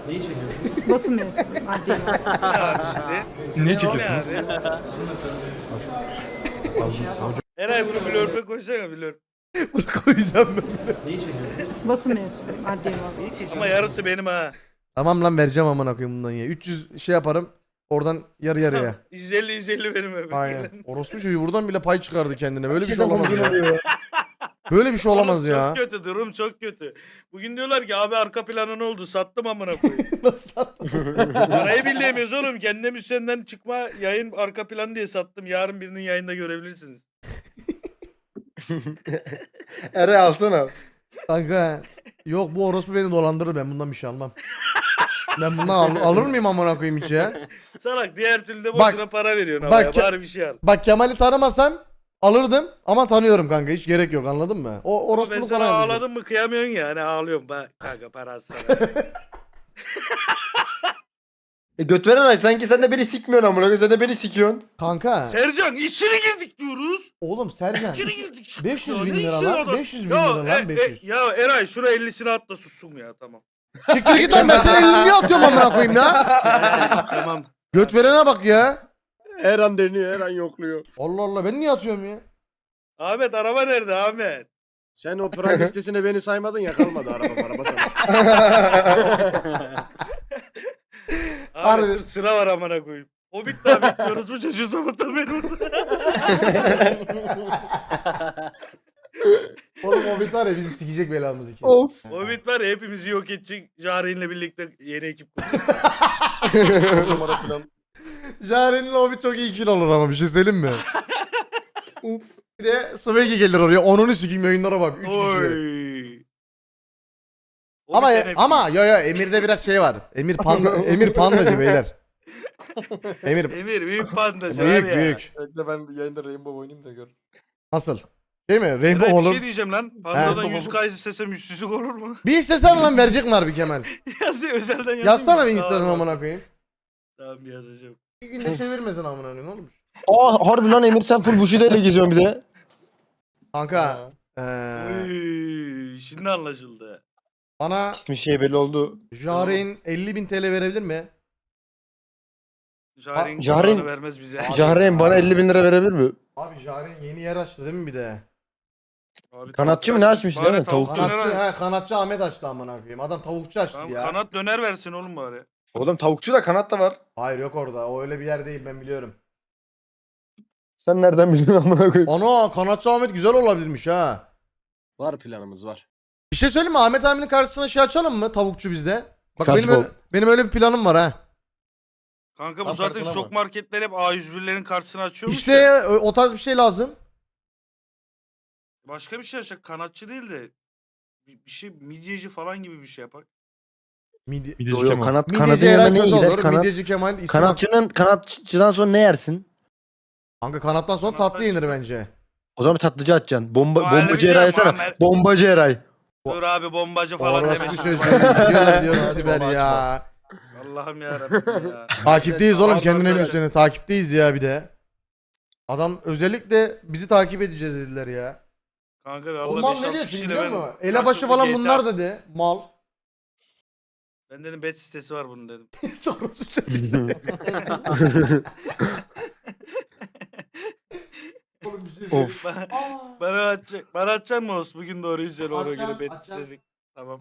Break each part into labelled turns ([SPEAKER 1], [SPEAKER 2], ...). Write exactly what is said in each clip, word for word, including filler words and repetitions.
[SPEAKER 1] Neyi çekiyorsun?
[SPEAKER 2] Basın mensubuyum. Adli olarak.
[SPEAKER 3] Abi şimdi.
[SPEAKER 4] Niye
[SPEAKER 3] O
[SPEAKER 4] çekiyorsunuz?
[SPEAKER 3] ne abi? Eray bunu blurbe koysana blur.
[SPEAKER 4] Bunu koyacağım ben.
[SPEAKER 1] Neyi çekiyorsun?
[SPEAKER 2] Basın mensubuyum. Adli olarak.
[SPEAKER 3] Ama yarısı benim ha.
[SPEAKER 4] Tamam lan vereceğim amına koyayım bundan ya. üç yüz şey yaparım. Oradan yarı yarıya.
[SPEAKER 3] yüz elli yüz elli benim öbür.
[SPEAKER 4] Aynen. Orospu çocuğu buradan bile pay çıkardı kendine. Böyle bir şey
[SPEAKER 5] Şeyden
[SPEAKER 4] olamaz
[SPEAKER 5] bugün
[SPEAKER 4] ya.
[SPEAKER 5] oluyor.
[SPEAKER 4] Böyle bir şey olamaz
[SPEAKER 3] Oğlum
[SPEAKER 4] ya.
[SPEAKER 3] Çok kötü durum çok kötü. Bugün diyorlar ki abi arka planı ne oldu sattım amına koyayım.
[SPEAKER 4] Nasıl sattın?
[SPEAKER 3] Parayı bilemiyoruz oğlum. Kendi müzisyenden çıkma yayın arka planı diye sattım. Yarın birinin yayında görebilirsiniz.
[SPEAKER 5] Ere alsana.
[SPEAKER 4] Kanka. Yok bu orospu beni dolandırır, ben bundan bir şey almam. Ben bundan al- alır mıyım amına koyayım hiç ya?
[SPEAKER 3] Salak diğer türlü de
[SPEAKER 4] Bak-
[SPEAKER 3] boşuna para veriyorsun
[SPEAKER 4] bak
[SPEAKER 3] ama
[SPEAKER 4] ke-
[SPEAKER 3] ya. Bari bir şey al.
[SPEAKER 4] Bak Kemal'i tanımasam alırdım ama tanıyorum kanka, hiç gerek yok, anladın mı? O
[SPEAKER 3] Ama ben
[SPEAKER 4] orospuluk
[SPEAKER 3] sana
[SPEAKER 4] falan yapacak.
[SPEAKER 3] ağladın mı kıyamıyorsun ya. Hani ağlıyorum. Bak kanka para atsana.
[SPEAKER 5] E göt veren ay sanki sen de beni sikmiyorsun amına koyayım. Sen de beni sikiyorsun.
[SPEAKER 4] Kanka.
[SPEAKER 3] Sercan içeri girdik diyoruz.
[SPEAKER 4] Oğlum Sercan.
[SPEAKER 3] İçeri girdik. çıktık
[SPEAKER 4] beş yüz
[SPEAKER 3] ya.
[SPEAKER 4] bin
[SPEAKER 3] Ne
[SPEAKER 4] lira
[SPEAKER 3] işin
[SPEAKER 4] lan,
[SPEAKER 3] adam?
[SPEAKER 4] beş yüz bin
[SPEAKER 3] Ya,
[SPEAKER 4] lira lan,
[SPEAKER 3] e-
[SPEAKER 4] beş yüz.
[SPEAKER 3] e- ya Eray şura ellisini at da sussun ya tamam.
[SPEAKER 4] Siktir git lan, ben senin elini niye atıyorum amına koyayım ya?
[SPEAKER 3] Tamam.
[SPEAKER 4] Göt verene bak ya.
[SPEAKER 6] Her an deniyor, her an yokluyor.
[SPEAKER 4] Allah Allah, ben niye atıyorum ya?
[SPEAKER 3] Ahmet araba nerede Ahmet?
[SPEAKER 6] Sen o prank listesine beni saymadın ya, kalmadı araba araba sana.
[SPEAKER 3] Ahmet
[SPEAKER 4] Harbi.
[SPEAKER 3] dur sıra var amına koyayım. Hobbit daha bekliyoruz bu çocuğu sabahtan beri orada.
[SPEAKER 4] Oğlum o bit var ya, bizi sikecek belamız iki.
[SPEAKER 5] Of.
[SPEAKER 3] Hobbit var ya hepimizi yok edecek. Jare'inle birlikte yeni ekip kuracak.
[SPEAKER 4] Jaren'in o bit çok iyi kill olur ama bir şey söyleyeyim mi? Bir de Swaggy gelir oraya, onunu sikeyim, yayınlara bak. Üç kişi.
[SPEAKER 3] Oy.
[SPEAKER 4] Ama
[SPEAKER 3] Hobbit'ten hep-
[SPEAKER 4] ama yo yo Emir'de biraz şey var. Emir panda, Emir pandacı beyler. Emir
[SPEAKER 3] Emir büyük pandacı var
[SPEAKER 4] büyük
[SPEAKER 3] ya.
[SPEAKER 4] büyük.
[SPEAKER 5] Bekle ben yayında Rainbow oynayayım da gör.
[SPEAKER 4] Nasıl? Değil mi? Rainbow
[SPEAKER 3] Eray, bir
[SPEAKER 4] olur.
[SPEAKER 3] şey diyeceğim lan. Pandadan
[SPEAKER 4] He.
[SPEAKER 3] yüz K istesem yüzsüzlük olur mu?
[SPEAKER 4] Bir istesen lan verecek mi harbi Kemal?
[SPEAKER 3] Yazı özelden yazayım.
[SPEAKER 4] Yazsana
[SPEAKER 3] mı?
[SPEAKER 4] bir Instagram
[SPEAKER 3] Tamam,
[SPEAKER 4] amına koyayım.
[SPEAKER 3] Tamam yazacağım.
[SPEAKER 4] Bir günde çevirmesin amına koyayım, ne olmuş?
[SPEAKER 5] Aa harbi lan Emir sen full Bushido ile geziyorsun bir de.
[SPEAKER 4] Kanka eee
[SPEAKER 3] Oy, şimdi anlaşıldı.
[SPEAKER 4] bana
[SPEAKER 5] İsmi şey belli oldu.
[SPEAKER 4] Jaren elli bin T L verebilir mi?
[SPEAKER 3] Jaren
[SPEAKER 5] Jaren-
[SPEAKER 3] Jaren vermez bize.
[SPEAKER 5] Jahreyn bana elli bin lira verebilir mi?
[SPEAKER 4] Abi Jaren yeni yer açtı değil mi bir de?
[SPEAKER 3] Abi,
[SPEAKER 5] Kanatçı
[SPEAKER 3] tavuk
[SPEAKER 5] mı ne
[SPEAKER 3] açmış.
[SPEAKER 5] açmış
[SPEAKER 3] Bari
[SPEAKER 5] değil mi?
[SPEAKER 3] tavuk
[SPEAKER 5] Tavukçu.
[SPEAKER 3] döner
[SPEAKER 4] Kanatçı,
[SPEAKER 3] versin.
[SPEAKER 4] he, kanatçı Ahmet açtı amına koyayım. Adam tavukçu açtı
[SPEAKER 3] Tamam,
[SPEAKER 4] ya.
[SPEAKER 3] kanat döner versin oğlum bari.
[SPEAKER 5] Oğlum tavukçu da kanat da var.
[SPEAKER 4] Hayır yok orada. O öyle bir yer değil, ben biliyorum.
[SPEAKER 5] Sen nereden biliyorsun amına koyayım?
[SPEAKER 4] Ana kanatçı Ahmet güzel olabilirmiş ha.
[SPEAKER 6] Var planımız var.
[SPEAKER 4] Bir şey söyleyeyim mi? Ahmet abinin karşısına şey açalım mı? Tavukçu bizde. Bak
[SPEAKER 5] Karşı
[SPEAKER 4] benim öyle, benim öyle bir planım var ha.
[SPEAKER 3] Kanka bu
[SPEAKER 5] Tam
[SPEAKER 3] zaten
[SPEAKER 5] karşısına
[SPEAKER 3] şok
[SPEAKER 5] mı?
[SPEAKER 3] marketler hep A yüz birlerin karşısına açıyormuş
[SPEAKER 4] İşte
[SPEAKER 3] ya.
[SPEAKER 4] o, o tarz bir şey lazım.
[SPEAKER 3] Başka bir şey açacak. Kanatçı değil de bir, bir şey midyeci falan gibi bir şey yapak.
[SPEAKER 4] Midi
[SPEAKER 6] Mideci
[SPEAKER 5] Yo, yo,
[SPEAKER 6] Kemal.
[SPEAKER 5] kanat, kanadın
[SPEAKER 4] Midyeci
[SPEAKER 5] yanına
[SPEAKER 4] Eray
[SPEAKER 5] ne
[SPEAKER 4] kötü
[SPEAKER 5] gider?
[SPEAKER 4] olur.
[SPEAKER 5] Kanat,
[SPEAKER 4] Midyeci Kemal ismi bak-
[SPEAKER 5] kanatçının kanatçıdan sonra ne yersin?
[SPEAKER 4] Kanka kanattan sonra
[SPEAKER 3] Kanattan
[SPEAKER 4] tatlı yenir
[SPEAKER 3] çıkar.
[SPEAKER 4] bence.
[SPEAKER 5] O zaman bir tatlıcı atacaksın. Bomba,
[SPEAKER 3] Aa, öyle bir
[SPEAKER 5] bombacı
[SPEAKER 3] şey
[SPEAKER 5] Eray
[SPEAKER 3] yapma
[SPEAKER 5] açsana.
[SPEAKER 3] Ahmet.
[SPEAKER 5] Bombacı Eray.
[SPEAKER 3] Dur abi bombacı falan
[SPEAKER 4] Orası
[SPEAKER 3] demesin.
[SPEAKER 4] çocuğu. Diyorlar diyoruz
[SPEAKER 5] Hadi
[SPEAKER 4] Siber
[SPEAKER 5] baba,
[SPEAKER 4] ya.
[SPEAKER 3] Allah'ım yarabbim ya.
[SPEAKER 4] Takipteyiz oğlum,
[SPEAKER 3] Pardon,
[SPEAKER 4] kendine
[SPEAKER 3] söyle.
[SPEAKER 4] bir sene. Takipteyiz ya bir de. Adam özellikle bizi takip edeceğiz dediler ya.
[SPEAKER 3] Kanka be
[SPEAKER 4] O
[SPEAKER 3] Allah
[SPEAKER 4] mal
[SPEAKER 3] beş
[SPEAKER 4] ne
[SPEAKER 3] altı
[SPEAKER 4] diyor ki
[SPEAKER 3] kişiyle
[SPEAKER 4] biliyor
[SPEAKER 3] ben
[SPEAKER 4] musun? Elebaşı
[SPEAKER 3] karşılıklı
[SPEAKER 4] falan
[SPEAKER 3] G T A
[SPEAKER 4] bunlar dedi. Mal.
[SPEAKER 3] Ben dedim bet sitesi var bunun dedim.
[SPEAKER 4] Sonrası çocuğu. Oğlum bir şey söyleyeyim.
[SPEAKER 5] Of.
[SPEAKER 3] Bana,
[SPEAKER 4] Aa.
[SPEAKER 3] bana atacak. Bana atacak mı olsun? Bugün doğruyu söyle ona
[SPEAKER 4] Atacağım,
[SPEAKER 3] göre bet
[SPEAKER 4] atacağım.
[SPEAKER 3] sitesi. Tamam.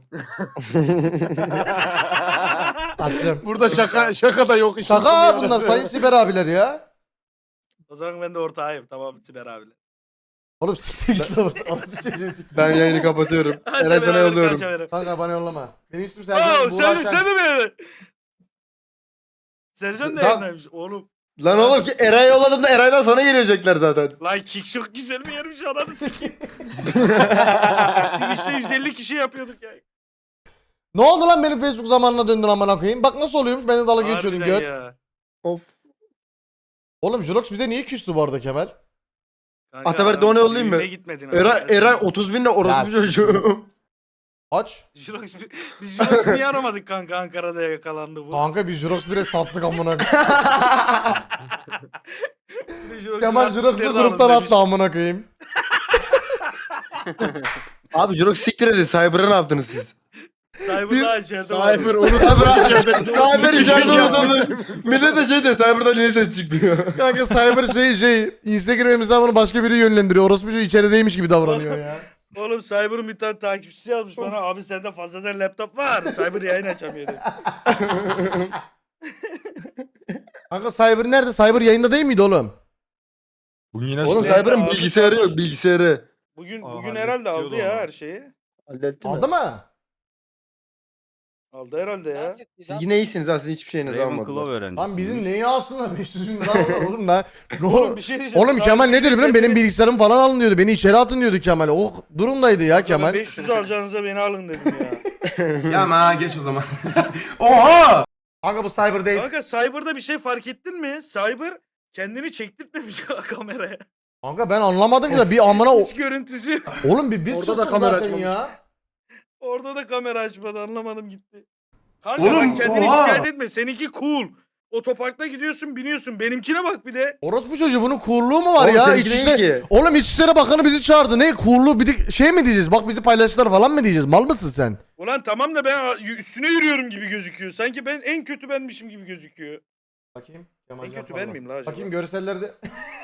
[SPEAKER 4] Atacağım.
[SPEAKER 6] Burada şaka şaka da yok. işin
[SPEAKER 4] Şaka
[SPEAKER 6] sonu
[SPEAKER 4] ha bunlar
[SPEAKER 6] yarısı.
[SPEAKER 4] sayın Siber abiler ya.
[SPEAKER 3] O zaman ben de ortağıyım. Tamam Siber abiyle.
[SPEAKER 4] Oğlum siktir git lan. Orası çocuğu siktir.
[SPEAKER 5] Ben yayını kapatıyorum. Eray sana yolluyorum.
[SPEAKER 4] Kanka bana yollama. Benim üstüm
[SPEAKER 3] Oo
[SPEAKER 4] Sercan.
[SPEAKER 3] sen, sen de mi yani? Sercan da
[SPEAKER 5] Tamam.
[SPEAKER 3] yayınlaymış oğlum.
[SPEAKER 5] Lan oğlum ki Eray'a yolladım da Eray'dan sana gelecekler zaten.
[SPEAKER 3] Lan kick çok güzel mi yermiş ananı sikeyim. Twitch'te yüz elli kişi yapıyorduk ya.
[SPEAKER 4] Ne oldu lan, benim Facebook zamanına döndün amına koyayım. Bak nasıl oluyormuş, beni dalga geçiyordun
[SPEAKER 3] Harbiden
[SPEAKER 4] göt.
[SPEAKER 3] ya.
[SPEAKER 5] Of.
[SPEAKER 4] Oğlum Jurox bize niye küstü bu arada Kemal?
[SPEAKER 3] Kanka,
[SPEAKER 5] Ataberk
[SPEAKER 3] adam
[SPEAKER 5] Doğan'a yollayayım mı?
[SPEAKER 3] düğüne gitmedin abi.
[SPEAKER 5] Eray, Eray otuz binle
[SPEAKER 4] Ya,
[SPEAKER 5] orospu çocuğu.
[SPEAKER 4] Aç.
[SPEAKER 3] Jirox, biz Jirox'u niye aramadık kanka Ankara'da yakalandı bu.
[SPEAKER 4] Kanka biz Jurox bire sattık amına koyayım.
[SPEAKER 3] Bir de Jirox'un
[SPEAKER 4] Kemal Jurox'u
[SPEAKER 3] artistlerini
[SPEAKER 4] gruptan
[SPEAKER 3] alın demiş.
[SPEAKER 4] attı amına koyayım.
[SPEAKER 5] Abi Jorok siktir edin. Cyber'a ne yaptınız siz?
[SPEAKER 3] Cyber'da içeride
[SPEAKER 6] Cyber
[SPEAKER 3] var.
[SPEAKER 6] unutma içeride.
[SPEAKER 5] Cyber içeride unutamıyor. Millet de şey diyor Cyber'dan niye ses çıkmıyor?
[SPEAKER 4] Kanka Cyber şey şey Instagram hesabını başka biri yönlendiriyor. Orospu çocuğu içerideymiş gibi davranıyor ya.
[SPEAKER 3] Oğlum Cyber'ın bir tane takipçisi yazmış bana. Abi sende fazladan laptop var. Cyber yayın açamıyor dedi.
[SPEAKER 4] Kanka Cyber nerede? Cyber yayında değil miydi oğlum?
[SPEAKER 7] Bugün yine
[SPEAKER 5] Oğlum
[SPEAKER 3] Nerede
[SPEAKER 5] Cyber'ın
[SPEAKER 3] abi?
[SPEAKER 5] bilgisayarı yok bilgisayarı.
[SPEAKER 3] Bugün
[SPEAKER 7] Aa,
[SPEAKER 3] bugün
[SPEAKER 7] hallet
[SPEAKER 3] herhalde aldı
[SPEAKER 7] diyordu
[SPEAKER 3] ya
[SPEAKER 7] ama.
[SPEAKER 3] her şeyi.
[SPEAKER 5] Halletti mi?
[SPEAKER 4] Aldı mı?
[SPEAKER 3] Aldı herhalde ya.
[SPEAKER 5] Siz yine iyisiniz aslında hiçbir şeyinizi
[SPEAKER 8] Ravenclaw
[SPEAKER 5] almadılar.
[SPEAKER 8] öğrencisi.
[SPEAKER 4] Lan bizim neyi alsınlar beş yüz bin lira alırlar oğlum lan.
[SPEAKER 3] Oğlum bir şey diyeceğim.
[SPEAKER 4] Oğlum Kemal ne dedi biliyor musun? Benim bilgisayarım falan alın diyordu. Beni içeri atın diyordu Kemal. O durumdaydı ya Kemal.
[SPEAKER 3] beş yüz alacağınıza beni alın dedim ya.
[SPEAKER 1] Ya ama geç o zaman. Oha!
[SPEAKER 4] Kanka bu Cyber değil.
[SPEAKER 3] Kanka Cyber'da bir şey fark ettin mi? Cyber kendini çektirtmemiş kameraya.
[SPEAKER 4] Kanka ben anlamadım ya bir amına o...
[SPEAKER 3] Hiç görüntüsü.
[SPEAKER 4] Oğlum bir biz
[SPEAKER 6] Orada da
[SPEAKER 4] sıktık
[SPEAKER 6] kamera
[SPEAKER 4] zaten
[SPEAKER 6] açmamış.
[SPEAKER 4] ya.
[SPEAKER 3] Orada da kamera açmadı anlamadım gitti. Kanka
[SPEAKER 1] Oğlum,
[SPEAKER 3] bak kendini
[SPEAKER 1] oha!
[SPEAKER 3] şikayet etme. Seninki cool. Otoparkta gidiyorsun biniyorsun. Benimkine bak bir de.
[SPEAKER 4] Orospu çocuğu bunun coolluğu mu var
[SPEAKER 5] Oğlum
[SPEAKER 4] ya?
[SPEAKER 5] seninki değil
[SPEAKER 4] İçişleri...
[SPEAKER 5] ki.
[SPEAKER 4] Oğlum İçişleri Bakanı bizi çağırdı. Ne coolluğu bir de şey mi diyeceğiz? Bak bizi paylaştılar falan mı diyeceğiz? Mal mısın sen?
[SPEAKER 3] Ulan tamam da ben üstüne yürüyorum gibi gözüküyor. Sanki ben en kötü benmişim gibi gözüküyor.
[SPEAKER 4] Bakayım.
[SPEAKER 3] En kötü ben miyim la acaba?
[SPEAKER 4] Bakayım görsellerde.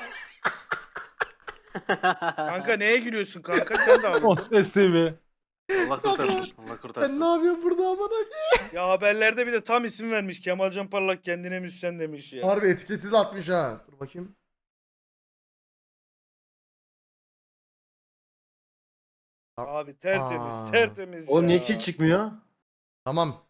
[SPEAKER 3] Kanka neye gülüyorsun kanka sen de
[SPEAKER 7] O
[SPEAKER 3] aldın.
[SPEAKER 7] ses T V.
[SPEAKER 8] Allah kurtarsın. Allah
[SPEAKER 4] Sen
[SPEAKER 8] kurtarsın.
[SPEAKER 4] ne yapıyorsun burada amına?
[SPEAKER 3] Ya haberlerde bir de tam isim vermiş. Kemalcan Parlak kendine müzisyen demiş ya.
[SPEAKER 4] Harbi etiketi de atmış ha. Dur bakayım.
[SPEAKER 3] Abi tertemiz
[SPEAKER 4] Aa.
[SPEAKER 3] tertemiz
[SPEAKER 5] Oğlum
[SPEAKER 3] ya.
[SPEAKER 5] niye hiç çıkmıyor?
[SPEAKER 4] Tamam.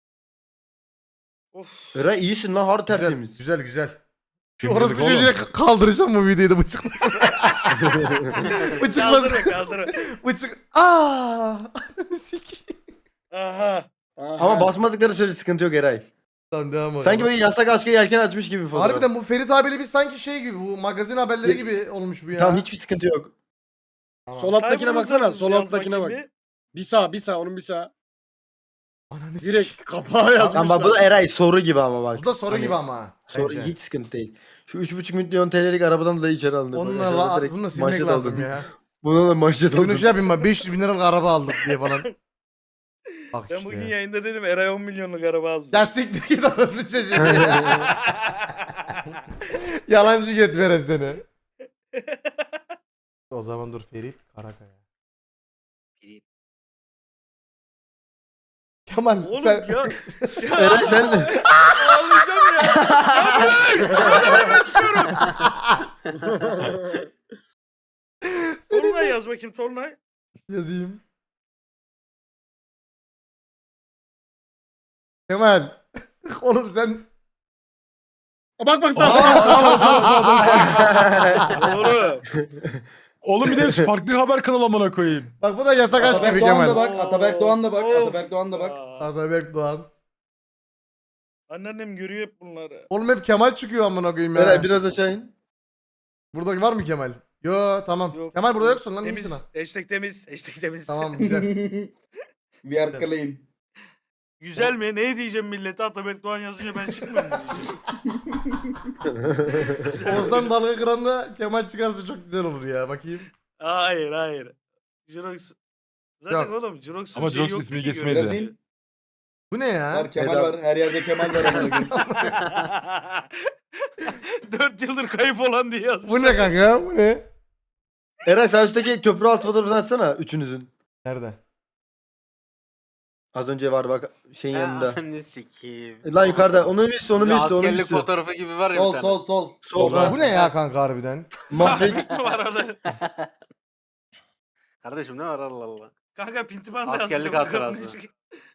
[SPEAKER 3] Of.
[SPEAKER 5] Eray iyisin lan harbi
[SPEAKER 4] Güzel
[SPEAKER 5] tertemiz.
[SPEAKER 4] güzel. güzel.
[SPEAKER 7] Kimselik
[SPEAKER 4] Orospu
[SPEAKER 7] oğlum.
[SPEAKER 4] çocuğu kaldıracağım bu videoyu da bıçıklasın. Bıçıklasın.
[SPEAKER 3] Kaldırın kaldırın.
[SPEAKER 4] Bıçık. Aaa. Sikeyim.
[SPEAKER 3] Aha.
[SPEAKER 5] Ama basmadıkları sürece sıkıntı yok Eray.
[SPEAKER 4] Tamam devam edelim.
[SPEAKER 5] Sanki böyle yasak aşka yelken açmış gibi bir fotoğraf.
[SPEAKER 4] Harbiden bu Ferit abiyle bir sanki şey gibi bu magazin haberleri gibi olmuş bu ya.
[SPEAKER 5] Tamam hiçbir sıkıntı yok.
[SPEAKER 4] Tamam.
[SPEAKER 6] Sol alttakine
[SPEAKER 3] Cyber'ın
[SPEAKER 6] baksana.
[SPEAKER 3] nasıl
[SPEAKER 6] Sol
[SPEAKER 3] yaz
[SPEAKER 6] alttakine bak.
[SPEAKER 3] bakayım bir?
[SPEAKER 6] Bir sağ bir sağ onun bir sağ.
[SPEAKER 4] Ananı s-
[SPEAKER 6] Direkt kapağı yazmışlar.
[SPEAKER 5] Tamam bak bu da Eray soru gibi ama bak.
[SPEAKER 4] Bu da soru
[SPEAKER 5] Hani
[SPEAKER 4] gibi ama.
[SPEAKER 5] Soru
[SPEAKER 4] bence.
[SPEAKER 5] hiç sıkıntı değil. Şu üç buçuk milyon T L'lik arabadan da içeri alındı. Bak,
[SPEAKER 4] Onunla
[SPEAKER 5] aşağıda
[SPEAKER 4] la,
[SPEAKER 5] direkt
[SPEAKER 4] bunu da silmek
[SPEAKER 5] manşet
[SPEAKER 4] lazım
[SPEAKER 5] aldım.
[SPEAKER 4] ya.
[SPEAKER 5] Buna da manşet
[SPEAKER 4] Bunu
[SPEAKER 5] aldım.
[SPEAKER 4] şey yapayım ben beş yüz bin liralık araba aldık diye falan. Bak
[SPEAKER 3] Ben
[SPEAKER 4] işte.
[SPEAKER 3] bugün yayında dedim Eray on milyonluk araba aldı.
[SPEAKER 4] Ya siktir git orası çocuğu ya. Yalancı get veren seni. O zaman dur Ferit Karakaya.
[SPEAKER 8] Ferit.
[SPEAKER 4] Kemal
[SPEAKER 3] Oğlum
[SPEAKER 4] sen...
[SPEAKER 3] ya. ya
[SPEAKER 5] Eray sen
[SPEAKER 3] ağlayacağım ya. Ya ben çıkıyorum. Tolunay yaz bakayım Tolunay.
[SPEAKER 4] Yazayım. Kemal. Oğlum sen...
[SPEAKER 6] Bak bak sağ
[SPEAKER 7] Aa,
[SPEAKER 6] bak.
[SPEAKER 7] sağ ol, sağ ol, sağ ol, sağ ol.
[SPEAKER 3] Doğru.
[SPEAKER 7] Oğlum bir de farklı haber kanalı amına koyayım.
[SPEAKER 4] Bak bu da yasak aşk gibi
[SPEAKER 1] Ataberk Doğan da
[SPEAKER 4] Kemal.
[SPEAKER 1] bak. Ataberk Doğan da bak.
[SPEAKER 3] Of.
[SPEAKER 1] Ataberk Doğan da bak.
[SPEAKER 3] Aa,
[SPEAKER 4] Ataberk Doğan.
[SPEAKER 3] Anneannem görüyor hep bunları.
[SPEAKER 4] Oğlum hep Kemal çıkıyor amına koyayım ya.
[SPEAKER 5] Eray biraz aşağı in.
[SPEAKER 4] Burada var mı Kemal? Yo tamam.
[SPEAKER 3] Yok.
[SPEAKER 4] Kemal burada yoksun lan
[SPEAKER 3] Temiz.
[SPEAKER 4] iyisin ha.
[SPEAKER 3] Hashtag temiz. Hashtag temiz.
[SPEAKER 4] Tamam güzel.
[SPEAKER 1] We are clean.
[SPEAKER 3] Güzel mi? Ne diyeceğim millete? Ataberk Doğan yazınca ben çıkmıyorum mu diyeceğim?
[SPEAKER 4] Oğuzhan dalga kıranda Kemal çıkarsa çok güzel olur ya bakayım.
[SPEAKER 3] Hayır hayır. Jirox. Zaten
[SPEAKER 4] Yok.
[SPEAKER 3] oğlum Jirox'un
[SPEAKER 7] Ama
[SPEAKER 3] şeyi
[SPEAKER 7] Jirox
[SPEAKER 3] yoktu
[SPEAKER 7] ismi
[SPEAKER 3] ki
[SPEAKER 7] geçmedi.
[SPEAKER 3] görüntüsü.
[SPEAKER 4] Bu ne ya?
[SPEAKER 1] Var Kemal
[SPEAKER 5] Eda-
[SPEAKER 1] var. Her yerde Kemal var. amına koyayım.
[SPEAKER 3] Dört yıldır kayıp olan diye yazmış.
[SPEAKER 4] Bu ne kanka? Bu ne?
[SPEAKER 5] Eray sen üstteki köprü altı fotoğrafını açsana üçünüzün.
[SPEAKER 4] Nerede?
[SPEAKER 5] Az önce var bak şeyin yanında.
[SPEAKER 8] Ne sikiyim.
[SPEAKER 5] E, Lan yukarıda onu bir üstü onu bir
[SPEAKER 8] Bir
[SPEAKER 5] üstü onu bir
[SPEAKER 8] askerlik
[SPEAKER 5] üstü.
[SPEAKER 8] fotoğrafı gibi var ya
[SPEAKER 1] Sol
[SPEAKER 8] bir tane.
[SPEAKER 1] sol sol.
[SPEAKER 5] Solda.
[SPEAKER 4] Bu ne ya kanka harbiden?
[SPEAKER 5] Mahvet.
[SPEAKER 3] var orada.
[SPEAKER 8] Kardeşim ne var Allah Allah.
[SPEAKER 3] Kanka pintiban da
[SPEAKER 8] Askerlik
[SPEAKER 3] yazmış, bakalım
[SPEAKER 8] hatırası.
[SPEAKER 3] ne çıkıyor.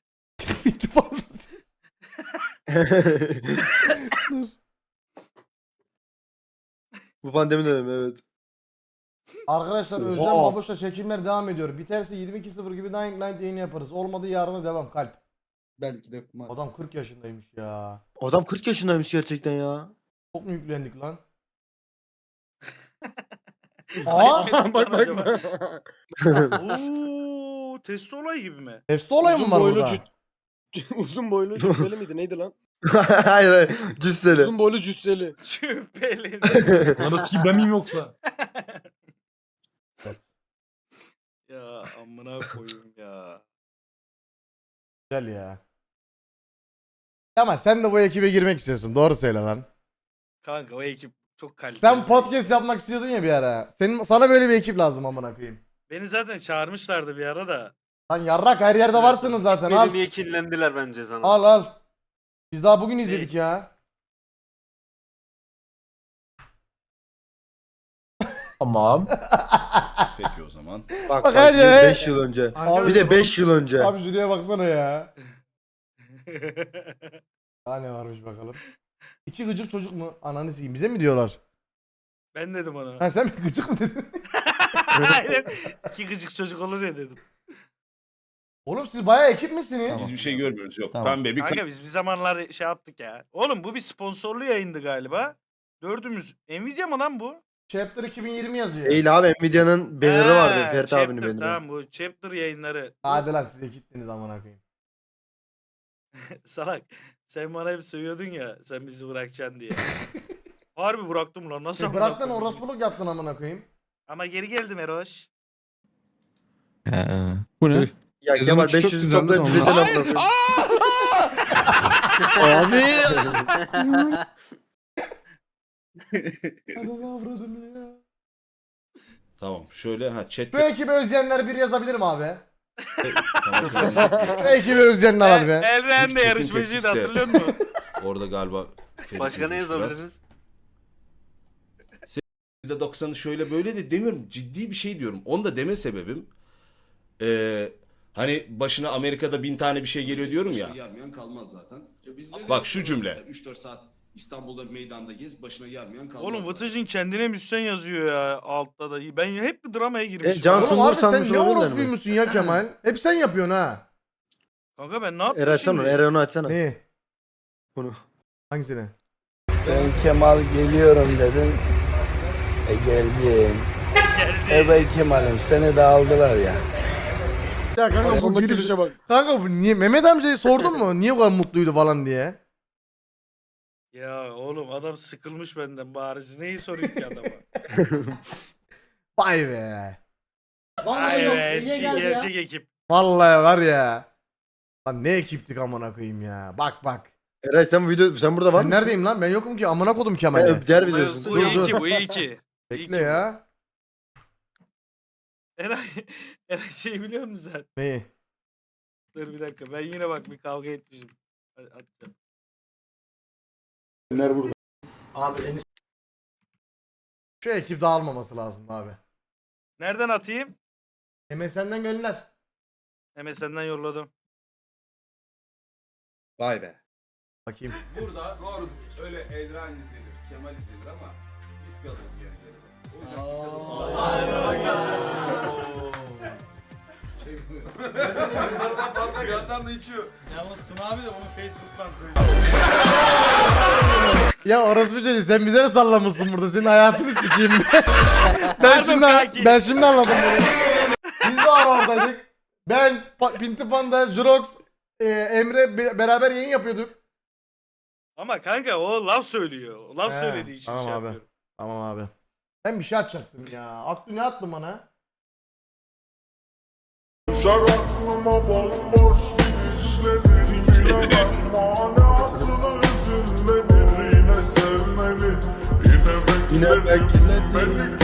[SPEAKER 5] Bu pandemi dönemi evet.
[SPEAKER 4] Arkadaşlar
[SPEAKER 5] Oha.
[SPEAKER 4] Özlem Babuş'la çekimler devam ediyor. Biterse yirmi iki sıfır gibi Dying Light yayını yaparız. Olmadı yarına devam kalp.
[SPEAKER 1] Belki de kuma.
[SPEAKER 4] Adam kırk yaşındaymış ya.
[SPEAKER 5] Adam kırk yaşındaymış gerçekten ya.
[SPEAKER 4] Çok mu yüklendik lan? Aa!
[SPEAKER 6] Aa, bak bak
[SPEAKER 3] Acaba?
[SPEAKER 6] bak.
[SPEAKER 3] Ooo test olay gibi mi?
[SPEAKER 4] Testi olay mı
[SPEAKER 6] Uzun
[SPEAKER 4] var
[SPEAKER 6] boylu
[SPEAKER 4] burada?
[SPEAKER 6] cüt- Uzun boylu cüsseli miydi neydi lan?
[SPEAKER 5] hayır hayır. Cüsseli.
[SPEAKER 6] Uzun boylu cüsseli.
[SPEAKER 3] Şüpheli.
[SPEAKER 7] Anası kim ben miyim yoksa?
[SPEAKER 3] Ya amına koyayım ya.
[SPEAKER 4] Güzel ya. Ama sen de bu ekibe girmek istiyorsun. Doğru söyle lan.
[SPEAKER 3] Kanka o ekip çok kaliteli.
[SPEAKER 4] Sen podcast yapmak istiyordun ya bir ara. Senin sana böyle bir ekip lazım amına koyayım.
[SPEAKER 3] Beni zaten çağırmışlardı bir ara da.
[SPEAKER 4] Lan yarrak her yerde varsınız zaten.
[SPEAKER 8] Beni
[SPEAKER 4] Al.
[SPEAKER 8] niye kinlendiler bence sana?
[SPEAKER 4] Al al. Biz daha bugün izledik ya.
[SPEAKER 9] Tamam.
[SPEAKER 5] Peki o zaman.
[SPEAKER 6] Bak
[SPEAKER 4] Bak
[SPEAKER 6] bak
[SPEAKER 4] hadi.
[SPEAKER 6] beş yıl önce.
[SPEAKER 4] Abi,
[SPEAKER 6] Bir de beş yıl önce.
[SPEAKER 4] Abi şuraya baksana ya. Daha ne varmış bakalım. İki gıcık çocuk mu? Ananı sikeyim. Bize mi diyorlar?
[SPEAKER 3] Ben dedim ona.
[SPEAKER 4] Ha sen mi gıcık mı dedin?
[SPEAKER 3] Aynen. İki gıcık çocuk olur ya dedim.
[SPEAKER 4] Oğlum siz bayağı ekip misiniz?
[SPEAKER 5] Biz bir şey görmüyoruz. Yok.
[SPEAKER 4] Tamam.
[SPEAKER 5] Pembe bir
[SPEAKER 3] Kanka biz bir zamanlar şey yaptık ya. Oğlum bu bir sponsorlu yayındı galiba. Dördümüz. Nvidia mı lan bu?
[SPEAKER 4] Chapter iki bin yirmi yazıyor.
[SPEAKER 6] Değil abi Nvidia'nın banner'ı vardı.
[SPEAKER 3] Ha,
[SPEAKER 6] Ferit
[SPEAKER 3] Chapter,
[SPEAKER 6] abinin banner'ı.
[SPEAKER 3] Tamam bu Chapter yayınları.
[SPEAKER 4] Hadi lan siz ekittiniz amına koyayım.
[SPEAKER 3] Salak. Sen bana hep sövüyordun ya. Sen bizi bırakacaksın diye. Harbi bıraktım lan. Nasıl
[SPEAKER 4] Sen
[SPEAKER 3] amına
[SPEAKER 4] bıraktın
[SPEAKER 3] koyayım?
[SPEAKER 4] orospuluk yaptın amına koyayım.
[SPEAKER 3] Ama geri geldim Eroş.
[SPEAKER 9] Bu ne?
[SPEAKER 6] Ya
[SPEAKER 7] Sezon
[SPEAKER 6] Kemal
[SPEAKER 7] üç çok
[SPEAKER 6] beş yüzü
[SPEAKER 7] güzeldi
[SPEAKER 6] toplayıp
[SPEAKER 7] de
[SPEAKER 6] bize
[SPEAKER 7] ondan.
[SPEAKER 6] can bırakıyor.
[SPEAKER 9] Abi.
[SPEAKER 4] Ananı avradını ya.
[SPEAKER 5] Tamam. Şöyle ha chat.
[SPEAKER 4] Bu ekibi özleyenler bir yazabilir mi abi?
[SPEAKER 5] Tamam, tamam.
[SPEAKER 4] Bu ekibi özleyenler abi.
[SPEAKER 3] Elren de
[SPEAKER 5] Çetin
[SPEAKER 3] yarışmacıydı
[SPEAKER 5] tepkisi de.
[SPEAKER 3] hatırlıyor musun?
[SPEAKER 5] Orada galiba Ferit
[SPEAKER 8] Başka ne
[SPEAKER 5] yazmış biraz.
[SPEAKER 8] yazabiliriz?
[SPEAKER 5] yüzde doksanı şöyle böyle de demiyorum. Ciddi bir şey diyorum. Onu da deme sebebim. Ee, hani başına Amerika'da bin tane bir şey geliyor diyorum ya.
[SPEAKER 10] Yarmayan kalmaz zaten.
[SPEAKER 5] Bak şu cümle.
[SPEAKER 10] üç dört saat İstanbul'da meydanda gez, başına yarmayan kalmaz.
[SPEAKER 3] Oğlum
[SPEAKER 10] zaten.
[SPEAKER 3] Vıtıcın kendine müzisyen yazıyor ya altta da. Ben hep bir dramaya girmişim.
[SPEAKER 6] E, Can
[SPEAKER 3] ya.
[SPEAKER 4] Oğlum
[SPEAKER 6] Sungur
[SPEAKER 4] abi sen
[SPEAKER 6] sanmış
[SPEAKER 4] ne
[SPEAKER 6] olabilirler mi?
[SPEAKER 4] orospuymuşsun ya Kemal? Hep sen yapıyorsun ha.
[SPEAKER 3] Kanka ben ne yaptım
[SPEAKER 6] Eray açsana onu.
[SPEAKER 3] şimdi?
[SPEAKER 6] Eray onu açsana.
[SPEAKER 4] Neyi?
[SPEAKER 6] Bunu.
[SPEAKER 4] Hangisini?
[SPEAKER 9] Ben Kemal geliyorum dedim. E geldim.
[SPEAKER 3] Geldi.
[SPEAKER 9] Evet Kemal'im seni de aldılar ya.
[SPEAKER 4] Ya kanka bu
[SPEAKER 7] Sondaki
[SPEAKER 4] gülüş...
[SPEAKER 7] gülüşe bak.
[SPEAKER 4] Kanka bu niye Mehmet amcayı sordun mu? Niye bu kadar mutluydu falan diye?
[SPEAKER 3] Ya oğlum adam sıkılmış benden bariz. Neyi sorayım ki adama?
[SPEAKER 4] Vay be.
[SPEAKER 3] Ay be eski gerçek ekip.
[SPEAKER 4] Vallahi var ya. Lan ne ekiptik amına koyayım ya. Bak bak.
[SPEAKER 6] Eray sen bu video sen burada var
[SPEAKER 4] Ben
[SPEAKER 6] mısın?
[SPEAKER 4] neredeyim lan? Ben yokum ki amına kodum Kemal'e.
[SPEAKER 6] Evet, diğer videosun.
[SPEAKER 3] Bu
[SPEAKER 4] Dur,
[SPEAKER 3] iyi
[SPEAKER 4] dur.
[SPEAKER 3] ki bu iyi ki.
[SPEAKER 4] Bekle ya.
[SPEAKER 3] Eray, Eray şey biliyor musun sen?
[SPEAKER 4] Neyi?
[SPEAKER 3] Dur bir dakika ben yine bak bir kavga etmişim. Hadi atacağım.
[SPEAKER 4] Şu ekip dağılmaması lazım abi.
[SPEAKER 3] Nereden atayım?
[SPEAKER 4] M S N'den gönder.
[SPEAKER 3] M S N'den yolladım.
[SPEAKER 1] Vay be.
[SPEAKER 4] Bakayım.
[SPEAKER 5] Burada doğru öyle Edran izlenir, Kemal izlenir ama biz kalırız gerilerinde. O yüzden bir yandan da içiyor.
[SPEAKER 3] Yalnız Tuna abi de bunu Facebook'tan söylüyor.
[SPEAKER 4] Ya orospu çocuğu sen bize ne sallamışsın burada? Senin hayatını sikeyim. ben şimdi
[SPEAKER 3] kanki.
[SPEAKER 4] ben şimdi anladım bunu. Biz de oradaydık. Ben, pa Pinti Panda, Jurox, e, Emre be- beraber yayın yapıyorduk.
[SPEAKER 3] Ama kanka o laf söylüyor. O laf
[SPEAKER 4] He,
[SPEAKER 3] söylediği için
[SPEAKER 4] tamam
[SPEAKER 3] şey
[SPEAKER 4] abi.
[SPEAKER 3] yapıyorum.
[SPEAKER 4] Tamam abi. Ben bir şey atacaktım ya. Aklı ne attın bana?
[SPEAKER 6] Yine bekledim.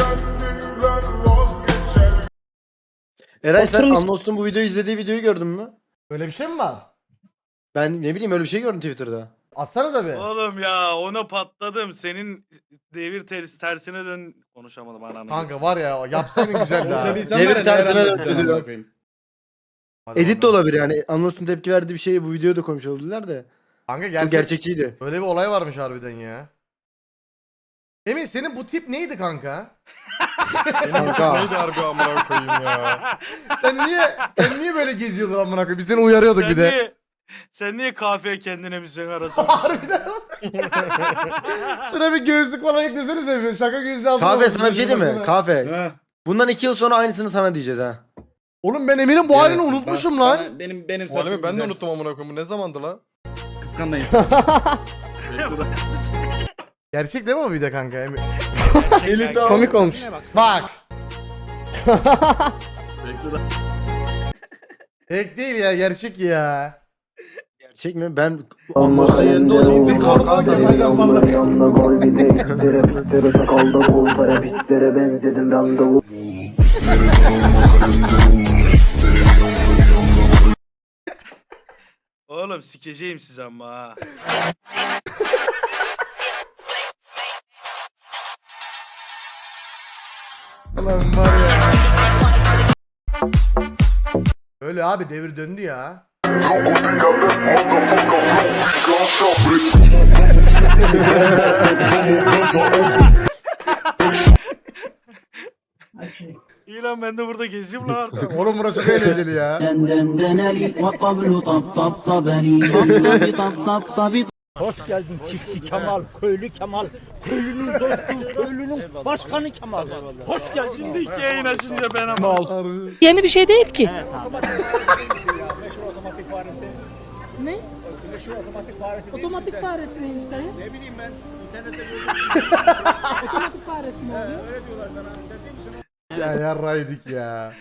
[SPEAKER 6] Eray sen Anlos'un bu videoyu izlediği videoyu gördün mü?
[SPEAKER 4] Öyle bir şey mi var?
[SPEAKER 6] Ben ne bileyim öyle bir şey gördüm Twitter'da.
[SPEAKER 4] Atsana tabi.
[SPEAKER 3] Oğlum ya ona patladım. Senin devir ters, tersine dön konuşamadım ananı.
[SPEAKER 4] Kanka var ya yapsaydın güzeldi ha.
[SPEAKER 1] Konuşabilsem
[SPEAKER 6] Devir
[SPEAKER 1] var ya,
[SPEAKER 6] tersine
[SPEAKER 1] neler
[SPEAKER 6] döndü
[SPEAKER 1] anlatacağım
[SPEAKER 6] diyor.
[SPEAKER 1] amına koyayım.
[SPEAKER 4] Hadi
[SPEAKER 6] Edit de
[SPEAKER 4] bakalım.
[SPEAKER 6] olabilir yani. Anlos'un tepki verdiği bir şeyi bu videoda koymuş olabilirler de.
[SPEAKER 4] Kanka
[SPEAKER 6] Çok
[SPEAKER 4] gerçek,
[SPEAKER 6] gerçekçiydi.
[SPEAKER 4] öyle bir olay varmış harbiden ya. Emin senin bu tip neydi kanka?
[SPEAKER 6] Kanka.
[SPEAKER 7] Neydi harbi amına koyayım ya.
[SPEAKER 4] Sen niye sen niye böyle geziyordun amına koyayım? Biz seni uyarıyorduk
[SPEAKER 3] sen
[SPEAKER 4] bir de.
[SPEAKER 3] Niye, sen niye kahveye kendine müzisyen arası
[SPEAKER 4] Harbiden. Şuna bir gözlük falan eklesene seviyor. Şaka gözlüğü alsana.
[SPEAKER 6] Kahve sana bir şey değil mi?
[SPEAKER 4] Baksana.
[SPEAKER 6] Kahve.
[SPEAKER 1] Ha.
[SPEAKER 6] Bundan iki yıl sonra aynısını sana diyeceğiz ha.
[SPEAKER 4] Oğlum ben Emin'in bu halini
[SPEAKER 1] Yarasın.
[SPEAKER 4] unutmuşum
[SPEAKER 1] Bana-
[SPEAKER 4] lan.
[SPEAKER 1] bana- Benim benim
[SPEAKER 7] Bu halimi
[SPEAKER 1] saçım
[SPEAKER 7] ben de
[SPEAKER 1] güzel.
[SPEAKER 7] unuttum amına koyayım. Bu ne zamandı lan?
[SPEAKER 1] Kıskanma insan.
[SPEAKER 4] Gerçek değil mi o bir de kanka? Emin?
[SPEAKER 3] Eli
[SPEAKER 4] Komik olmuş. Bak. Fake değil ya gerçek ya.
[SPEAKER 6] Gerçek mi? Ben olmazsa yerinde olayım ve kalkan
[SPEAKER 4] Kemalcan vallahi.
[SPEAKER 3] Oğlum sikeceğim sizi ama ha.
[SPEAKER 4] Ulan var ya. Öyle abi devir döndü ya.
[SPEAKER 3] İyi lan ben de burada geziyorum lan artık.
[SPEAKER 4] Oğlum burası çok eğlenceli ya.
[SPEAKER 9] Hoş geldin çiftçi Kemal, köylü Kemal. Köylünün dostu, köylünün başkanı Kemal. Hoş geldin.
[SPEAKER 3] Şimdi iki yayın açınca ben ama.
[SPEAKER 2] Yeni bir şey değil ki. Ne? Otomatik faresi neymiş dayı? Ne bileyim ben. İnternette Otomatik faresi mi oluyor?
[SPEAKER 4] Ya yarraydık ya.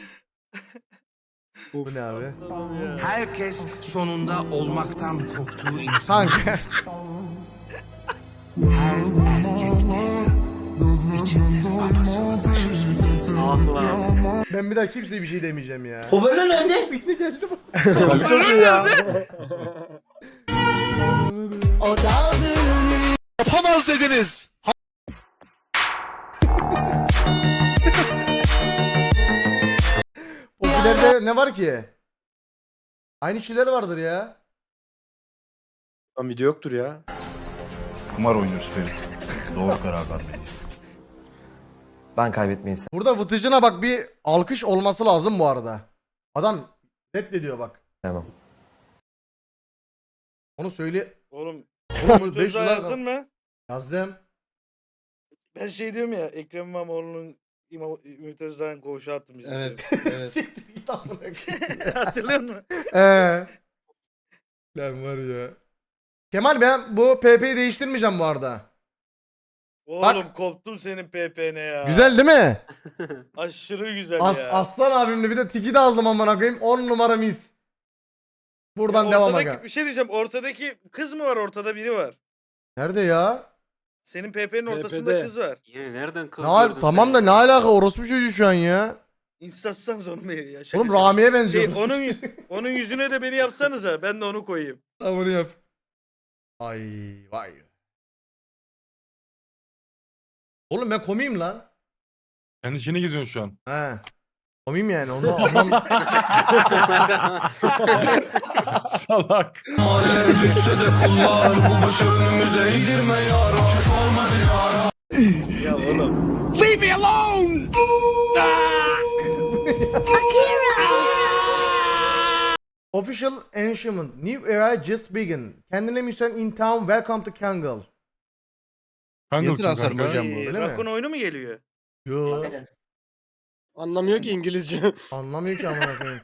[SPEAKER 4] Bu ne abi?
[SPEAKER 9] Herkes sonunda olmaktan korktuğu insan.
[SPEAKER 4] Kanka.
[SPEAKER 9] Her erkek evlat içinde babasını taşır.
[SPEAKER 8] Ah lan.
[SPEAKER 4] Ben bir daha kimseye bir şey demeyeceğim ya.
[SPEAKER 2] Hoparlör nerede?
[SPEAKER 6] çok iyi ya.
[SPEAKER 9] Yapamaz dediniz.
[SPEAKER 4] Popülerde ne var ki? Aynı şeyler vardır ya.
[SPEAKER 6] Lan video yoktur ya.
[SPEAKER 10] Kumar oynuyoruz Ferit. Doğru karar vermeliyiz.
[SPEAKER 6] Ben kaybetmeyi
[SPEAKER 4] Burada Vıtıcına bak bir alkış olması lazım bu arada. Adam reddediyor bak.
[SPEAKER 6] Tamam.
[SPEAKER 4] Onu söyle.
[SPEAKER 3] Oğlum
[SPEAKER 4] Oğlum beş
[SPEAKER 3] Tuzla
[SPEAKER 4] lira
[SPEAKER 3] yazdın mı?
[SPEAKER 4] yazdım.
[SPEAKER 3] Ben şey diyorum ya Ekrem İmamoğlu'nun İmam Ümit Özdağ'ın koğuşu attım biz.
[SPEAKER 1] Evet. Evet.
[SPEAKER 4] Siktir git amına koyayım.
[SPEAKER 3] Hatırlıyor musun?
[SPEAKER 4] Eee. Lan var ya. Kemal ben bu P P'yi değiştirmeyeceğim bu arada.
[SPEAKER 3] Oğlum koptum senin P P'ne ya.
[SPEAKER 4] Güzel değil mi?
[SPEAKER 3] Aşırı güzel
[SPEAKER 4] As
[SPEAKER 3] ya.
[SPEAKER 4] Aslan abimle bir de tiki de aldım amına koyayım. on numara mis. Buradan
[SPEAKER 3] Ya
[SPEAKER 4] devam
[SPEAKER 3] ortadaki-
[SPEAKER 4] aga.
[SPEAKER 3] Bir şey diyeceğim. Ortadaki kız mı var? Ortada biri var.
[SPEAKER 4] Nerede ya?
[SPEAKER 3] Senin P P'nin ortasında
[SPEAKER 6] P P'de.
[SPEAKER 3] kız var.
[SPEAKER 8] Yine nereden kız
[SPEAKER 4] Ne al-
[SPEAKER 8] gördün
[SPEAKER 4] tamam
[SPEAKER 8] sen
[SPEAKER 4] da
[SPEAKER 8] ya?
[SPEAKER 4] ne alaka orospu çocuğu şu an ya?
[SPEAKER 3] İnsatsanız onu bir ya. Şaka
[SPEAKER 4] Oğlum
[SPEAKER 3] şaka.
[SPEAKER 4] Rami'ye benziyor.
[SPEAKER 3] Şey, onun, yüz- onun yüzüne de beni yapsanıza. Ben de onu koyayım.
[SPEAKER 4] Tamam onu yap. Ay vay. Oğlum ben komiyim lan.
[SPEAKER 7] Kendi işini geziyorsun şu an.
[SPEAKER 4] He. Komiyim yani onu anlam.
[SPEAKER 7] Salak.
[SPEAKER 3] Ya oğlum.
[SPEAKER 4] Official Ancient. New era just begin. Kendine müsait in town. Welcome to Kangal.
[SPEAKER 7] Kanka
[SPEAKER 1] transfer mi hocam bu?
[SPEAKER 3] Ee,
[SPEAKER 4] öyle mi?
[SPEAKER 3] Rakun oyunu mu geliyor?
[SPEAKER 4] Yo.
[SPEAKER 6] Anlamıyor ki İngilizce.
[SPEAKER 4] Anlamıyor ki amına koyayım.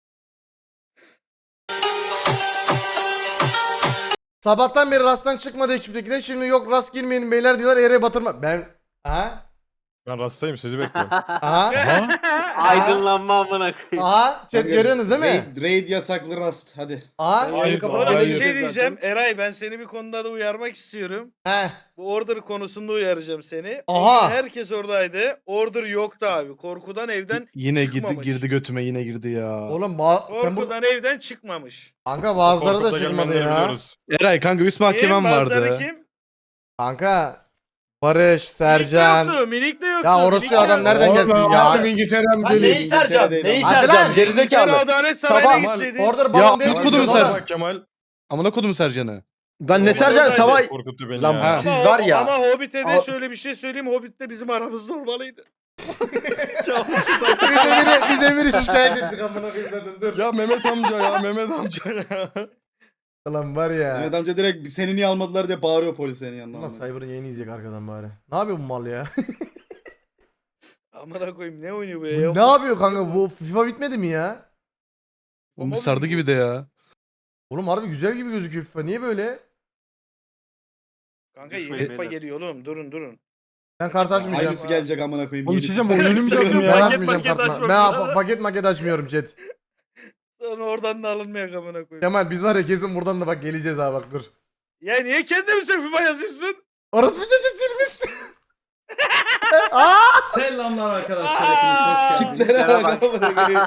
[SPEAKER 4] Sabahtan beri rasttan çıkmadı ekiptekiler. Şimdi yok rast girmeyin beyler diyorlar. Yere batırma. Ben... Ha?
[SPEAKER 7] Ben rastayım sizi bekliyorum.
[SPEAKER 4] Aha.
[SPEAKER 8] Aydınlanma amına koyayım.
[SPEAKER 4] Aha. Chat görüyorsunuz değil mi?
[SPEAKER 1] Raid, raid yasaklı rast. Hadi.
[SPEAKER 4] Aha.
[SPEAKER 7] Hayır,
[SPEAKER 3] Oğlum
[SPEAKER 7] hayır.
[SPEAKER 3] bir şey diyeceğim. Eray ben seni bir konuda da uyarmak istiyorum.
[SPEAKER 4] He.
[SPEAKER 3] Bu order konusunda uyaracağım seni.
[SPEAKER 4] Aha.
[SPEAKER 3] Herkes oradaydı. Order yoktu abi. Korkudan evden
[SPEAKER 11] Yine girdi,
[SPEAKER 3] çıkmamış.
[SPEAKER 11] girdi götüme yine girdi ya.
[SPEAKER 4] Oğlum ba- sen bu...
[SPEAKER 3] Korkudan evden çıkmamış.
[SPEAKER 4] Kanka bazıları da
[SPEAKER 7] Korkut'ta
[SPEAKER 4] çıkmadı
[SPEAKER 7] gelmeyenleri
[SPEAKER 4] ya.
[SPEAKER 7] biliyoruz.
[SPEAKER 11] Eray kanka üst mahkemem
[SPEAKER 3] Kim? Bazıları
[SPEAKER 11] vardı.
[SPEAKER 3] kim?
[SPEAKER 4] Kanka. Barış,
[SPEAKER 3] Minik de
[SPEAKER 4] Sercan.
[SPEAKER 3] yoktu. Minik de yoktu.
[SPEAKER 4] Ya orası
[SPEAKER 3] Minik
[SPEAKER 4] adam
[SPEAKER 3] de-
[SPEAKER 4] nereden gelsin ya?
[SPEAKER 7] Abi İngiltere'm
[SPEAKER 6] Lan neyi sereceğim? Neyi
[SPEAKER 4] Hadi
[SPEAKER 6] sereceğim?
[SPEAKER 4] lan.
[SPEAKER 6] Gerizekalı.
[SPEAKER 3] İngiltere Adalet
[SPEAKER 6] Sabah-
[SPEAKER 3] Sarayı'na gitseydin.
[SPEAKER 4] Order
[SPEAKER 11] Ya
[SPEAKER 4] balon değil.
[SPEAKER 11] amına kodum
[SPEAKER 4] mi?
[SPEAKER 11] Sercan. Kemal. Amına kodum Sercan'ı.
[SPEAKER 6] Lan ne sereceğim? Sabah...
[SPEAKER 7] Korkuttu beni
[SPEAKER 6] Lan
[SPEAKER 7] ya.
[SPEAKER 6] siz
[SPEAKER 3] Ama,
[SPEAKER 6] var
[SPEAKER 3] o-
[SPEAKER 6] ya.
[SPEAKER 3] Ama Hobbit'e de
[SPEAKER 6] Al-
[SPEAKER 3] şöyle bir şey söyleyeyim. Hobbit de bizim aramızda olmalıydı.
[SPEAKER 4] Biz Emir'i, biz Emir'i şikayet ettik amına koyayım dedim dur.
[SPEAKER 11] Ya Mehmet amca ya Mehmet amca ya.
[SPEAKER 4] Ulan var ya.
[SPEAKER 1] Mehmet amca direkt seni niye almadılar diye bağırıyor polis senin yanına.
[SPEAKER 4] Ulan Cyber'ın yayını izleyecek arkadan bari. Ne yapıyor bu mal ya?
[SPEAKER 3] Amına koyayım ne oynuyor bu ya?
[SPEAKER 4] ne yapıyor kanka bu FIFA bitmedi mi ya?
[SPEAKER 11] Oğlum bir sardı gibi de ya.
[SPEAKER 4] Oğlum harbi güzel gibi gözüküyor FIFA. Niye böyle?
[SPEAKER 3] Kanka yeni
[SPEAKER 8] Düşmeyin
[SPEAKER 3] FIFA
[SPEAKER 8] beyler.
[SPEAKER 3] geliyor oğlum. Durun durun.
[SPEAKER 4] Ben kart açmayacağım.
[SPEAKER 1] Aynısı gelecek amına koyayım.
[SPEAKER 7] Oğlum
[SPEAKER 1] yeni
[SPEAKER 7] içeceğim
[SPEAKER 1] FIFA.
[SPEAKER 7] oyunu mu
[SPEAKER 4] Ben
[SPEAKER 7] yazdım ya?
[SPEAKER 3] Paket
[SPEAKER 4] açmayacağım
[SPEAKER 3] maket
[SPEAKER 4] kartla.
[SPEAKER 3] açmak
[SPEAKER 4] Ben
[SPEAKER 3] lazım.
[SPEAKER 4] paket maket açmıyorum chat.
[SPEAKER 3] Sonra oradan da alınmayak amına koyayım.
[SPEAKER 4] Kemal biz var ya kesin buradan da bak geleceğiz ha bak dur.
[SPEAKER 3] Ya niye kendimize FIFA yazıyorsun?
[SPEAKER 4] Orası bir çocuğu silmişsin. Aa!
[SPEAKER 10] Selamlar arkadaşlar.
[SPEAKER 3] Aa!
[SPEAKER 10] Hepiniz hoş geldiniz.
[SPEAKER 1] Tiplere bak amına koyayım.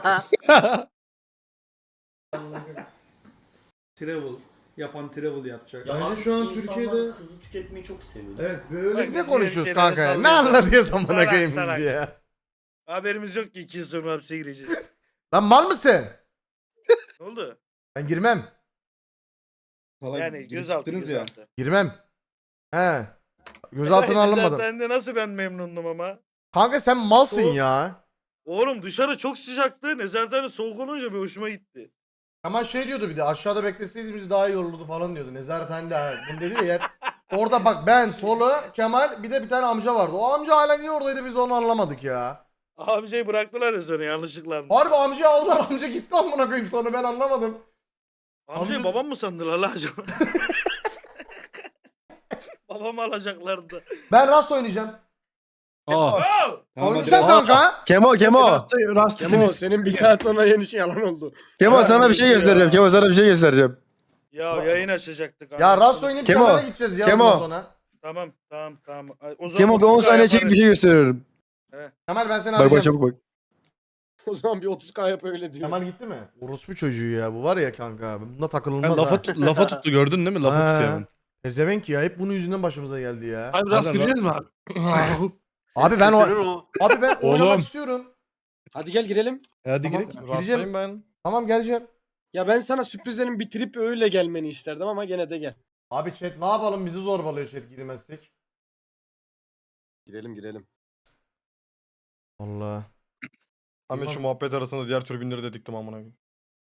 [SPEAKER 10] Travel. Yapan travel yapacak.
[SPEAKER 4] Bence şu an Türkiye'de
[SPEAKER 6] hızlı tüketmeyi çok seviyor.
[SPEAKER 4] evet böyle
[SPEAKER 3] Bak,
[SPEAKER 4] ne
[SPEAKER 3] biz
[SPEAKER 4] konuşuyoruz
[SPEAKER 3] yeni
[SPEAKER 4] kanka ya?
[SPEAKER 3] şeylere
[SPEAKER 4] Ne
[SPEAKER 3] sallıyoruz.
[SPEAKER 4] anlatıyoruz amına
[SPEAKER 3] Salak,
[SPEAKER 4] koyayım
[SPEAKER 3] salak.
[SPEAKER 4] biz ya?
[SPEAKER 3] Haberimiz yok ki iki yıl sonra hapse gireceğiz.
[SPEAKER 4] Lan mal mısın?
[SPEAKER 3] Ne oldu?
[SPEAKER 4] Ben girmem.
[SPEAKER 1] Salak,
[SPEAKER 3] Yani
[SPEAKER 1] girip
[SPEAKER 3] gözaltı
[SPEAKER 1] çıktınız ya.
[SPEAKER 3] gözaltı.
[SPEAKER 4] Girmem. He. Gözaltına alınmadım.
[SPEAKER 3] Zaten de nasıl ben memnundum ama.
[SPEAKER 4] Kanka sen malsın
[SPEAKER 3] Soğuk.
[SPEAKER 4] ya.
[SPEAKER 3] Oğlum dışarı çok sıcaktı. Nezarethane soğuk olunca bir hoşuma gitti.
[SPEAKER 4] Ama şey diyordu bir de aşağıda bekleseydi bizi daha iyi olurdu falan diyordu. Nezarethanede ha. Bunu dedi ya. Orada bak ben, Solu, Kemal bir de bir tane amca vardı. O amca hala niye oradaydı biz onu anlamadık ya.
[SPEAKER 3] Amcayı bıraktılar ya sonra yanlışlıkla.
[SPEAKER 4] Harbi amcayı aldılar amca gitti amına koyayım sonra ben anlamadım.
[SPEAKER 3] Amcayı
[SPEAKER 4] amca-
[SPEAKER 3] babam mı sandılar la acaba? Babamı alacaklardı.
[SPEAKER 4] Ben Rast oynayacağım.
[SPEAKER 11] Aa.
[SPEAKER 3] Oh!
[SPEAKER 1] Tamam, hadi
[SPEAKER 4] Oynayacağım
[SPEAKER 1] Rast.
[SPEAKER 4] kanka.
[SPEAKER 6] Kemo Kemo.
[SPEAKER 7] Rastı, rastı
[SPEAKER 6] Kemo
[SPEAKER 7] seni.
[SPEAKER 6] senin bir saat sonra yeni şey yalan oldu.
[SPEAKER 3] Kemo, sana bir şey göstereceğim,
[SPEAKER 6] Kemo sana bir şey göstereceğim.
[SPEAKER 3] Ya yayın açacaktık.
[SPEAKER 4] Ya
[SPEAKER 3] anasını
[SPEAKER 4] Rast oynayıp
[SPEAKER 6] Kemo,
[SPEAKER 4] Kemal'e gideceğiz ya
[SPEAKER 6] Kemo.
[SPEAKER 4] bundan sonra.
[SPEAKER 3] Tamam tamam tamam. Ay, O zaman
[SPEAKER 6] Kemo bir on
[SPEAKER 3] otuz K
[SPEAKER 6] saniye çekip
[SPEAKER 3] yaparız.
[SPEAKER 6] bir şey gösteriyorum.
[SPEAKER 4] Kemal ben seni
[SPEAKER 6] Bak bak
[SPEAKER 4] arayacağım.
[SPEAKER 6] çabuk bak.
[SPEAKER 9] O zaman bir otuz K yap öyle diyor.
[SPEAKER 4] Kemal gitti mi? Orospu çocuğu ya bu var ya kanka. Bunda takılılmaz
[SPEAKER 11] Ben lafa,
[SPEAKER 4] ha.
[SPEAKER 11] tut- lafa tuttu gördün değil mi? Lafa
[SPEAKER 4] Ha.
[SPEAKER 11] tutuyor hemen.
[SPEAKER 4] Ezevenk ya hep bunun yüzünden başımıza geldi ya.
[SPEAKER 7] Abi rast
[SPEAKER 11] Hadi lan.
[SPEAKER 7] gireceğiz mi abi?
[SPEAKER 4] Abi ben
[SPEAKER 8] Kaçırır
[SPEAKER 4] o
[SPEAKER 8] o.
[SPEAKER 4] abi ben
[SPEAKER 7] Oğlum.
[SPEAKER 4] oynamak istiyorum.
[SPEAKER 9] Hadi gel girelim.
[SPEAKER 11] Hadi
[SPEAKER 4] Tamam.
[SPEAKER 11] gidelim.
[SPEAKER 4] Gireceğim.
[SPEAKER 7] ben.
[SPEAKER 4] Tamam geleceğim.
[SPEAKER 9] Ya ben sana sürprizlerin bitirip öyle gelmeni isterdim ama gene de gel.
[SPEAKER 4] Abi chat ne yapalım bizi zorbalıyor chat girmezsek.
[SPEAKER 9] Girelim girelim.
[SPEAKER 4] Allah.
[SPEAKER 7] Ahmet şu muhabbet arasında diğer türbinleri de diktim amına koyayım.